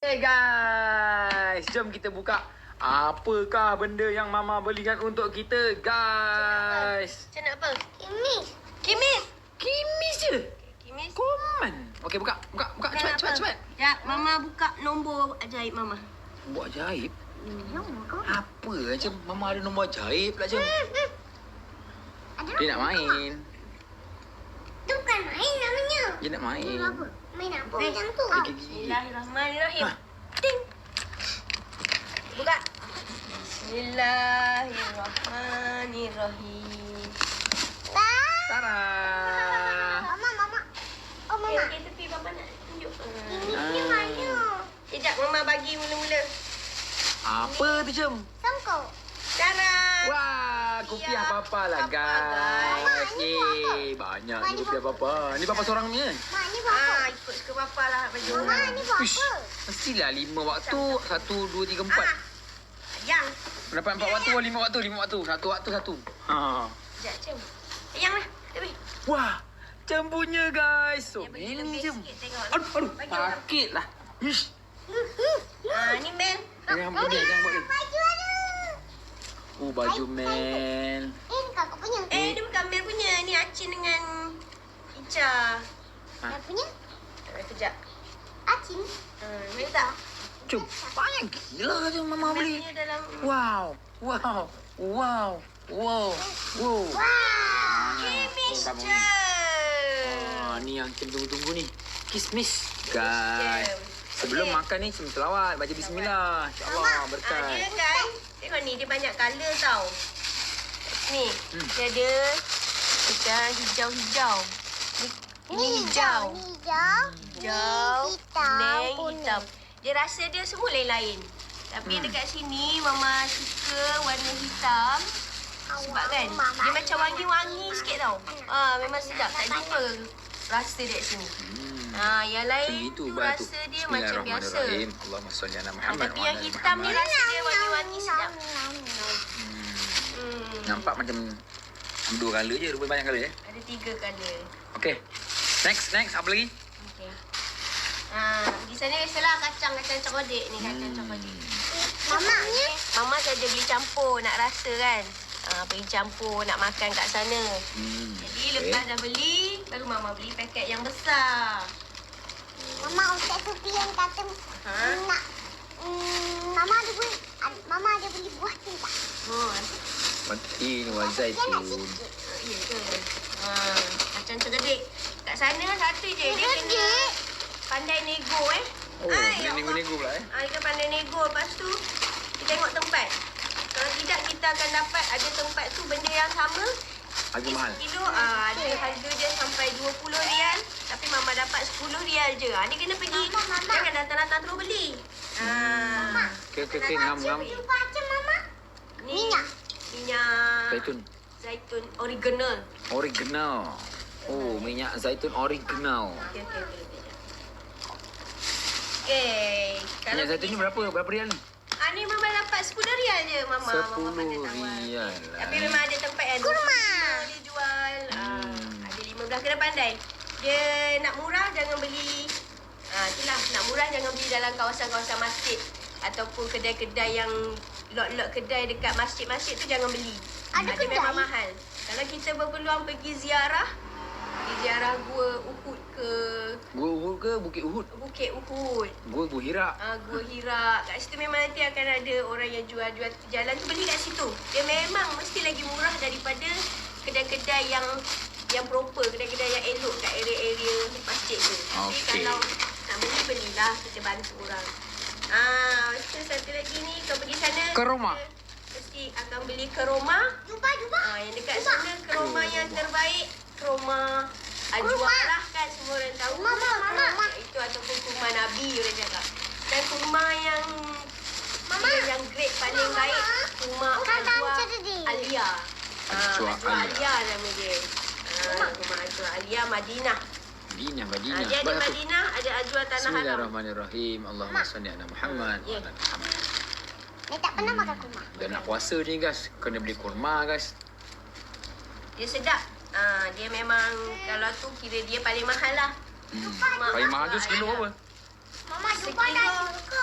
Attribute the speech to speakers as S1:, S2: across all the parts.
S1: Hey guys, jom kita buka apakah benda yang Mama belikan untuk kita, guys.
S2: Macam nak apa?
S3: Kimis.
S2: Kimis.
S1: Kimis je.
S2: Kimis.
S1: Komen. Okey, buka. Cepat.
S2: Ya, Mama buka nombor ajaib Mama.
S1: Buat ajaib?
S3: Nombor kau.
S1: Apa macam Mama ada nombor ajaib pula, jom. Dia nak main.
S3: Itu bukan main namanya.
S1: Dia nak main.
S3: Apa? Main apa
S2: Eh,
S3: macam tu?
S2: Bismillahirrahmanirrahim.
S1: Ha.
S2: Ting. Buka. Bismillahirrahmanirrahim.
S1: Tara.
S3: Mama. Oh, Mama.
S2: Okey, tepi Papa nak tunjuk.
S3: Kimisnya mana?
S2: Sekejap Mama bagi mula-mula.
S1: Apa tu, jom?
S3: Sangkau.
S2: Cara.
S1: Wah, kopiah
S2: Ya,
S1: Papa lah,
S2: Papa, guys.
S1: guys.
S3: Mak, ni buat apa?
S1: Banyak
S3: Mak,
S1: ni
S3: ni
S1: kopiah
S3: buat
S1: Papa. Ni Papa seorang punya.
S3: Mak, ni buat apa?
S2: Ikut suka Papa lah baju.
S3: Mama, ni buat
S1: Ish,
S3: apa?
S1: mestilah 5 waktu. 1, 2, 3, 4.
S2: Yang.
S1: Dapat 4 waktu, 5 waktu. 5 waktu. 1 waktu, 1. Ha.
S2: Sekejap, Cem. Yang lah. Tepi.
S1: Wah, cembunya guys. So,
S2: Yang bagi
S1: ini
S2: lebih
S1: je.
S2: sikit tengok.
S1: Aduh,
S2: Bagi orang.
S1: sakit lah. Ish.
S2: Ni Mel.
S1: Jangan buat ni, jangan buat ni.
S3: Baju ada.
S1: Baju Mel.
S3: Ni kakak punya.
S2: Dia bukan Mel punya. Ni Acin dengan Ica.
S3: Dia punya?
S2: Kejap.
S3: Acin.
S2: Mel tak?
S1: Cuk, banyak gila je Mama
S2: Mel
S1: beli.
S2: punya dalam...
S1: Wow.
S3: Wah.
S2: Kimis
S1: Abang
S2: je.
S1: Ni yang Cem tunggu-tunggu ni. Kismis. Guys. Sebelum makan ni Cem selawat. Baca bismillah. InsyaAllah berkat.
S2: Dia kan. Tengok ni. Dia banyak colour tau. Ni. Dia ada macam hijau-hijau. Ini hijau.
S3: Ni hijau.
S2: Hijau.
S3: Hitam,
S2: Kuning,
S3: kuning.
S2: hitam. Dia rasa dia semua lain-lain. Tapi dekat sini Mama suka warna hitam. Sebab kan dia macam wangi-wangi sikit tau. Memang sedap. Tak jumpa rasa dia kat sini. Yang lain tu rasa dia macam biasa.
S1: Allahumma salli ala Muhammad.
S2: Tapi yang hitam ni rasa dia wangi-wangi sedap.
S1: Nampak macam 2 colour je, rupanya banyak colour je.
S2: Ada 3 colour.
S1: Okey. Next. Apa lagi?
S2: Okey. Di sana biasalah kacang cokodik ni. Kacang cokodik.
S3: Mama.
S2: Mama saja beli campur nak rasa kan. Pergi campur nak makan kat sana. Jadi lepas dah beli, baru Mama beli paket yang besar.
S3: Mama, Ustaz Sufian kata nak... Mama ada beli buah tu tak?
S1: Matin wa
S3: Dia nak
S1: zaitun.
S3: sikit.
S2: Ya ke? Kacang cokodik. Kat sana satu je. Dia kena pandai nego
S1: Oh,
S2: Ai,
S1: dia
S2: Allah.
S1: nego-nego pula
S2: Dia pandai nego. Lepas tu, kita tengok tempat. Kalau tidak, kita akan dapat ada tempat tu benda yang sama.
S1: Harga mahal.
S2: Kilo ada harga dia sampai RM20. Tapi Mama dapat RM10 je. Dia kena pergi.
S3: Mama.
S2: Jangan datang-datang terus beli.
S1: Okey, ngam.
S3: Jumpa macam Mama.
S2: Ni, minyak
S1: Zaitun.
S2: zaitun original.
S1: Original. Oh, minyak zaitun original.
S2: Okey.
S1: Minyak zaitun ni berapa? Berapa rial ni?
S2: Ni Mama dapat RM10 je Mama. Mama pandai tawar.
S1: RM10 lah.
S2: Tapi memang ada tempat yang
S3: Kurma.
S2: dia jual. Ada 15 kena pandai. Dia nak murah jangan beli. Itulah nak murah jangan beli dalam kawasan-kawasan masjid ataupun kedai-kedai yang lot-lot kedai dekat masjid-masjid tu jangan beli.
S3: Ada
S2: Dia memang
S3: kedai?
S2: mahal. Kalau kita berpeluang pergi ziarah Gua Uhud ke
S1: Gua Uhud ke Bukit Uhud?
S2: Bukit Uhud.
S1: Gua Hira.
S2: Gua Hira. Kat situ memang nanti akan ada orang yang jual-jual jalan tu beli kat situ. Dia memang mesti lagi murah daripada kedai-kedai yang proper, kedai-kedai yang elok kat area-area masjid tu. Tapi
S1: Okey.
S2: kalau nak belilah kita bantu orang. Lepas tu satu lagi ni kau pergi sana.
S1: Ke rumah?
S2: Mesti akan beli ke rumah.
S3: Jumpa.
S2: Yang dekat sana ke rumah yang terbaik. Ke rumah Ajwa lah kan semua orang tahu.
S3: Mama.
S2: Itu ataupun kurma Nabi orang cakap. Dan kurma yang yang grade paling baik kurma Ajwa Alia.
S1: Ajwa
S2: Alia nama dia. Kurma Ajwa Alia Madinah.
S1: Madinah.
S2: Dia ada Madinah, ada Ajwa Tanah Haram.
S1: Bismillahirrahmanirrahim. Allahumma salli ala Muhammad.
S2: Ya.
S3: Dia tak pernah makan kurma.
S1: Dah nak puasa ni guys. Kena beli kurma guys.
S2: Dia sedap. Dia memang kalau tu kira dia paling mahal lah.
S1: Paling mahal tu sekilo apa?
S3: Mama jumpa dah suka.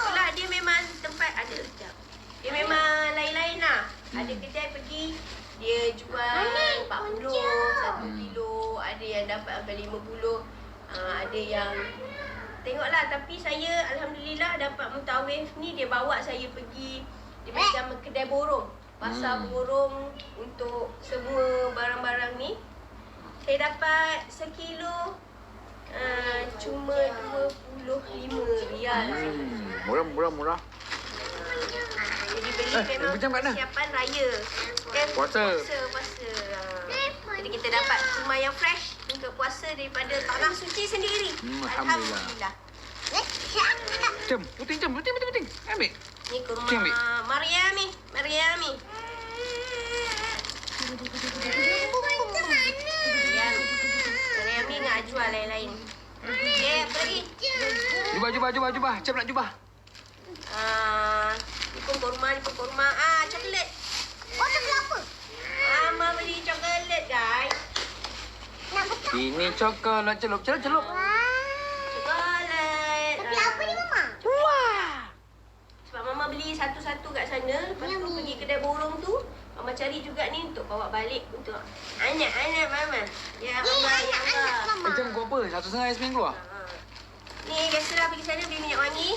S2: Ada kedai pergi, dia jual 40, 1 kilo. Ada yang dapat sampai 50. Ada yang tengoklah, tapi saya alhamdulillah dapat mutawif ni, dia bawa saya pergi, dia macam kedai borong, pasar borong untuk semua barang-barang ni. Saya dapat sekilo cuma RM25.
S1: Murah.
S2: Jadi beli memang
S1: macam kat mana?
S2: persiapan raya. Kan
S1: Puasa.
S2: Puasa. Jadi kita dapat kurma yang fresh untuk puasa daripada tanah suci sendiri.
S1: Alhamdulillah. Jom, puting. Ambil.
S2: Ni kurma
S1: Cik ambil.
S2: Mariami. Mariami dengan Ajwa lain-lain. Okay, apa lagi?
S1: Jubah. Macam nak jubah.
S2: Ni pun kurma. Coklat.
S3: Coklat apa?
S2: Mama beli coklat, guys.
S3: Nak betul.
S1: Ini coklat celup.
S3: Wah.
S2: Coklat.
S3: Coklat apa ni, Mama?
S2: Sebab Mama beli satu-satu kat sana. Lepas tu pergi kedai borong tu, Mama cari juga ni untuk bawa balik untuk anak-anak Mama. Ya Allah, ya Allah.
S1: Macam kau apa? 1,5 Yasmin keluar?
S2: Ni biasalah pergi sana beli minyak wangi.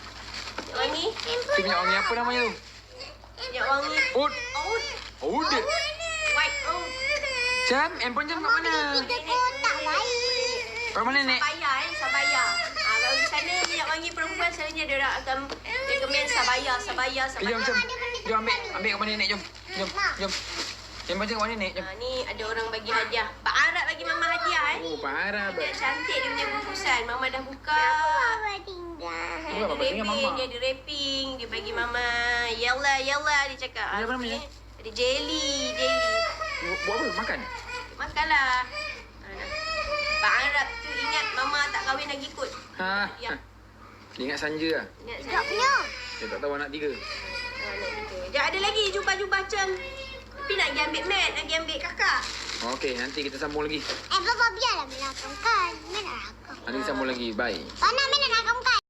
S1: Tu minyak wangi apa namanya tu?
S2: Minyak wangi.
S1: Oud. Oud.
S2: White oud.
S1: Jam, handphone jam kat mana?
S3: Kita kotak baik.
S1: Kat mana, Nek?
S2: Sabaya. Kalau di sana minyak wangi perempuan selalunya dia orang akan recommend Sabaya.
S1: Jom ambil kat mana, Nek? Jom. Handphone jam kat mana, Nek? Jom.
S2: Ni ada orang bagi hadiah. Pak Arab bagi Mama hadiah
S1: Oh, parah.
S2: Dia cantik dia punya bungkusan. Mama dah buka.
S3: Apa tinggal?
S2: Dia ada wrapping, dia bagi Mama. Yalla dia cakap.
S1: Ada apa namanya?
S2: Ada jelly.
S1: Buat apa? Makan?
S2: Makanlah. Pak Arab tu ingat Mama tak kahwin lagi kot. Ya.
S1: Dia ingat Sanja lah.
S2: Ingat
S3: Tak punya.
S1: Dia tak tahu anak 3.
S2: Anak kita. Sekejap ada lagi jubah-jubah macam. Tapi nak pergi ambil mat, nak pergi ambil kakak.
S1: Okey, nanti kita sambung lagi.
S3: Bapa biarlah melakangkan. Mana rakam?
S1: Nanti kita sambung lagi. Bye.
S3: Mana rakam kan?